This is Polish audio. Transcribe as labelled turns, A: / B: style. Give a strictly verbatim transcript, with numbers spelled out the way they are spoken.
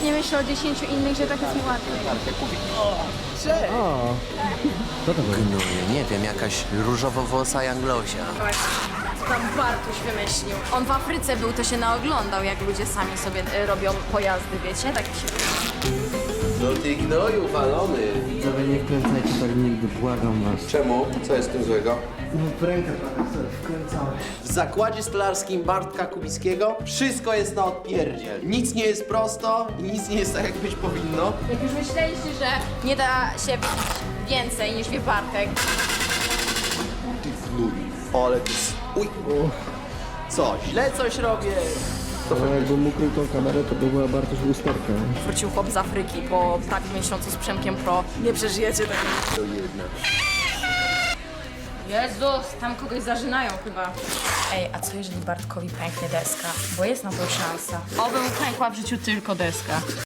A: nie myślę o dziesięciu innych, że tak jest mi łatwiej.
B: O, co to było?
C: Gnuje, nie wiem, jakaś różowo-włosa Janglosia.
A: Co tam Bartuś wymyślił? On w Afryce był, to się naoglądał, jak ludzie sami sobie y, robią pojazdy, wiecie? Tak mi się
C: No ty gnoju walony.
B: Widzowie, nie wkręcajcie tak nigdy, błagam was.
C: Czemu? Co jest z tym złego?
B: No w rękę prawie sobie wkręcałeś.
C: W zakładzie stolarskim Bartka Kubickiego wszystko jest na odpierdziel. Nic nie jest prosto i nic nie jest tak, jak być powinno.
A: Jak już myśleliście, że nie da się wypić więcej niż wie Bartek,
C: O, ale ty... s- Uj! Co, źle coś robię?
B: No jakbym ukrył tą kamerę, to by była Bartosz lusterka.
A: wrócił chłop z Afryki po prawie miesiącu z Przemkiem Pro. Nie przeżyjecie tego.
C: To jedna.
A: Jezus, tam kogoś zażynają chyba. Ej, a co jeżeli Bartkowi pęknie deska? Bo jest na to szansa. Oby mu pękła w życiu tylko deska.